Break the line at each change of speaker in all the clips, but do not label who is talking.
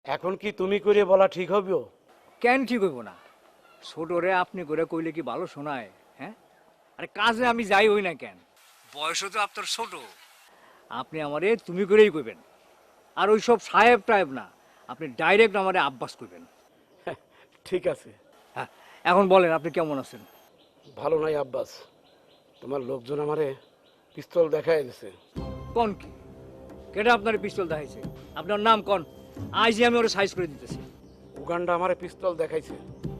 এখন কি তুমি করে বলা ঠিক হবে?
কেন ঠিক হইব না? ছোটরে আপনি করে কইলে কি ভালো শোনায়? হ্যাঁ, আরে কাজে আমি যাই হই না কেন, বয়সও তো আপনার ছোট। আপনি আমারে তুমি করেই কইবেন। আর ওই সব সাহেব টাইপ না, আপনি ডাইরেক্ট আমারে আব্বাস কইবেন।
ঠিক আছে।
হ্যাঁ, এখন বলেন আপনি কেমন আছেন?
ভালো নাই আব্বাস, তোমার লোকজন আমারে পিস্তল দেখায় দিছে।
কোন কি? কেটা আপনার পিস্তল দেখাইছে? আপনার নাম কোন? আজই আমি ওরা সাইজ করে দিতেছি।
উগান্ডা আমারে পিস্তল দেখাইছে।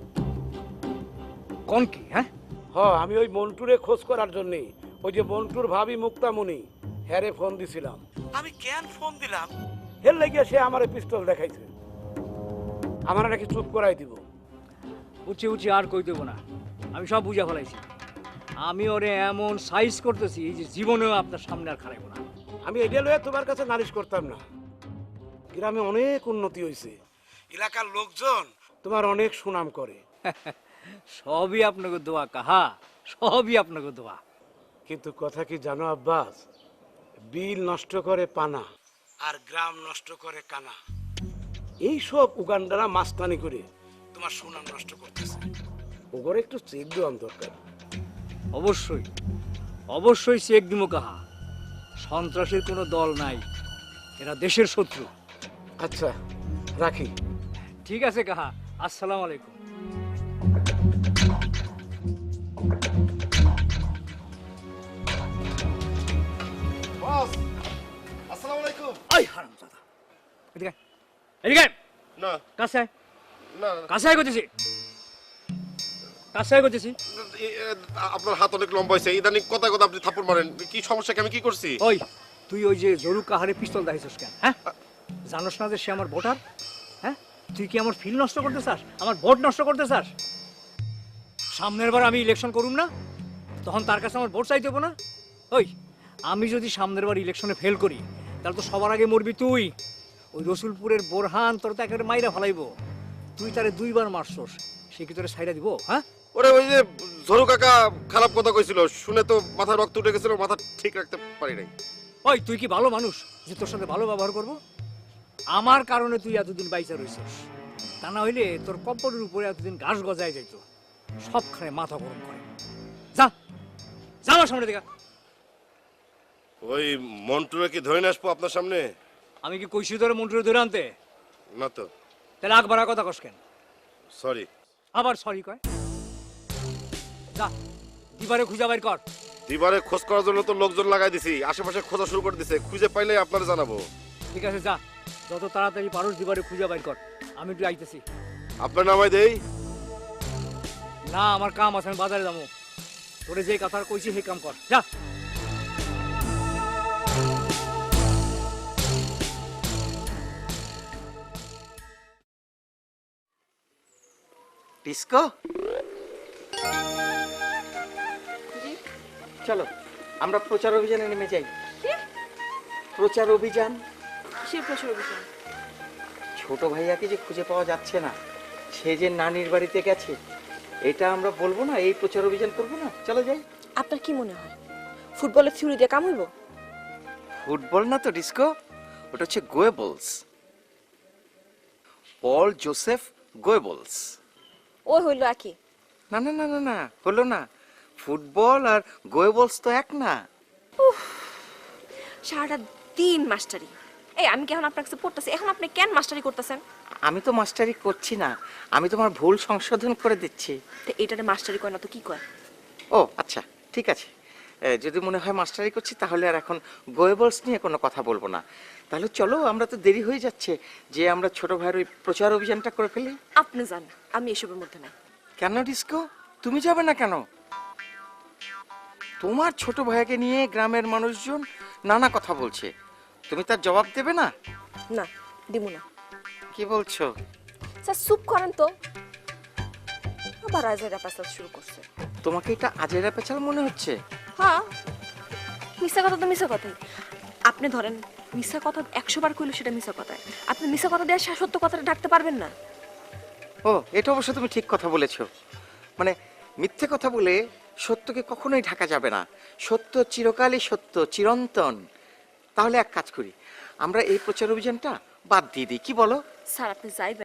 কোন কি? হ্যাঁ,
আমি ওই মন্টুরে খোঁজ করার জন্যে ওই যে মন্টুর ভাবি মুক্তামণি হ্যারে ফোন দিছিলাম। আমি কেন ফোন দিলাম এর লাগিয়া সে আমারে পিস্তল দেখাইছে। আমার নাকি চুপ করাই দিব।
উঠছি উঠছি আর কই দেবো না, আমি সব বুঝা ফেলাইছি। আমি ওরে এমন সাইজ করতেছি যে জীবনেও আপনার সামনে আর খারাইব না।
আমি এটা লয়ে তোমার কাছে নালিশ করতাম না। গ্রামে অনেক উন্নতি হয়েছে, এলাকার লোকজন তোমার অনেক সুনাম করে।
সবই আপনাকে দোয়া কাহা, সবই আপনাকে দোয়া।
কিন্তু কথা কি জানো আব্বাস, বিল নষ্ট করে পানা আর গ্রাম নষ্ট করে কানা। এই সব উগান্ডারা মাস্তানি করে তোমার সুনাম নষ্ট করতেছে। ওগরে একটু চেক দেওয়া দরকার।
অবশ্যই অবশ্যই চেক দিব কাহা। সন্ত্রাসের কোনো দল নাই, এরা দেশের শত্রু।
আচ্ছা রাখি।
ঠিক আছে কাহা, আসসালামু আলাইকুম।
বস, আসসালামু আলাইকুম।
এই হারামজাদা, এদিকে আয়, এদিকে আয়।
না
কাছে আয়,
না
কাছে আয় করতেছি, কাছে আয় করতেছি।
আপনার হাত অনেক লম্বা হয়েছে, ইদানিং কথা কথা আপনি থাপ্পড় মারেন। কি সমস্যা, আমি কি করছি?
ওই তুই ওই যে জরু কাহারে পিস্তল দেখাইছিস কেন? হ্যাঁ, জানোস না যে সে আমার ভোটার? হ্যাঁ, তুই কি আমার ফিল নষ্ট করতে চাস, আমার ভোট নষ্ট করতে চাস? সামনের বার আমি ইলেকশন করুম না, তখন তার কাছে আমার ভোট চাইতে হবো না? ওই আমি যদি সামনের বার ইলেকশনে ফেল করি, তাহলে তো সবার আগে মরবি তুই। ওই রসুলপুরের বোরহান তোর তো একেবারে মাইরা ফেলাইবো। তুই তারে দুইবার মারছস, সে কি তোরে সাইরা দিব? হ্যাঁ,
ওরে ওই যে ঝরু কাকা খারাপ কথা কইছিল, শুনে তো মাথার রক্ত উঠে গেছিল, মাথা ঠিক রাখতে পারি নাই।
ওই তুই কি ভালো মানুষ যে তোর সাথে ভালো ব্যবহার করবো? আমার কারণে তুই এতদিন বাইচা রইছস, তা না হইলে তোর কম্পটের উপরে এতদিন ঘাস গজায় যাইত। সবখানে মাথা গরম করে। যা যা আমার সামনে দেখা।
ওই মন্টুরে কি ধরে নিয়ে আসবো আপনার সামনে?
আমি কি কইছি তোর মন্টুরে ধরে আনতে?
না তো।
তাহলে আগ বাড়া কথা কস কেন?
সরি।
আবার সরি কয়? যা দিবারে খুঁজা বাইর কর।
দিবারে খোঁজ করার জন্য তো লোকজন লাগাই দিছি, আশেপাশে খোঁজা শুরু করে দিছে, খুঁজে পাইলে আপনারা জানাবো।
ঠিক আছে যা, যত তাড়াতাড়ি পারস দিবারে খুঁজা বাইর কর। আমি একটু আইতেছি।
আপনার নামাই দেই?
না, আমার কাম আছে, আমি বাজারে যাবো। তোরে যে কথা কইছি সেই কাম কর, যা।
ডিস্কো, চলো আমরা প্রচার অভিযানে নেমে যাই। প্রচার অভিযান?
কিসের প্রচার অভিযান?
ছোট ভাইয়াকে যে খুঁজে পাওয়া যাচ্ছে না, সে যে নানির বাড়িতে গেছে, এটা আমরা বলবো না, এই প্রচার অভিযান করবো না? চলো যাই।
আপনার কি মনে হয় ফুটবলের থিওরি দিয়ে কাম হইব?
ফুটবল না তো ডিস্কো, ওটা হচ্ছে গোয়েবলস, পল জোসেফ গোয়েবলস।
ওই হইল একই।
না না না না না, হলো না। ফুটবল আর গোয়েবলস তো এক না।
সারাটা দিন মাস্টারি। এই আমি কি এখন আপনার কাছে পড়তেছি, এখন আপনি কেন মাস্টারি করতেছেন?
আমি তো মাস্টারি করছি না, আমি তোমার ভুল সংশোধন করে দিচ্ছি।
তো এইটারে মাস্টারি কয় না তো কি কয়?
ও আচ্ছা, ঠিক আছে। যদি মনে হয় মাস্টারি করছি, তাহলে আর এখন গোয়েবলস নিয়ে কোনো কথা বলবো না। তাহলে চলো, আমরা তো দেরি হয়ে যাচ্ছে, যে আমরা ছোট ভাইয়ের ওই প্রচার অভিযানটা করে ফেলি।
আপনি জান, আমি এসবের মধ্যে নাই।
কেন ডিস্কো, তুমি যাবে না কেন? তোমার ছোট ভাইকে নিয়ে গ্রামের মানুষজন নানা কথা বলছে, তুমি তার জবাব দেবে না?
না, দিব না।
কি বলছো?
স্যার চুপ করেন তো। আবার আজেরা পাসাল শুরু করছে।
তোমাকে এটা আজেরা পেছাল মনে হচ্ছে?
হ্যাঁ, মিথ্যা কথা তো মিথ্যা কথাই। আপনি ধরেন মিথ্যা কথা 100 বার কইলে সেটা মিথ্যা কথায়। আপনি মিথ্যা কথা দিয়ে সত্য কথাটা ঢাকতে পারবেন না।
ও, এটা অবশ্য তুমি ঠিক কথা বলেছো। মানে মিথ্যে কথা বলে সত্যকে কখনোই ঢাকা যাবে না। সত্য চিরকালই সত্য, চিরন্তন। তাহলে এক কাজ করি, আমরা এই প্রচার অভিযানটা বাদ দিয়ে দিই, কি বলো?
স্যার আপনি যাইবেন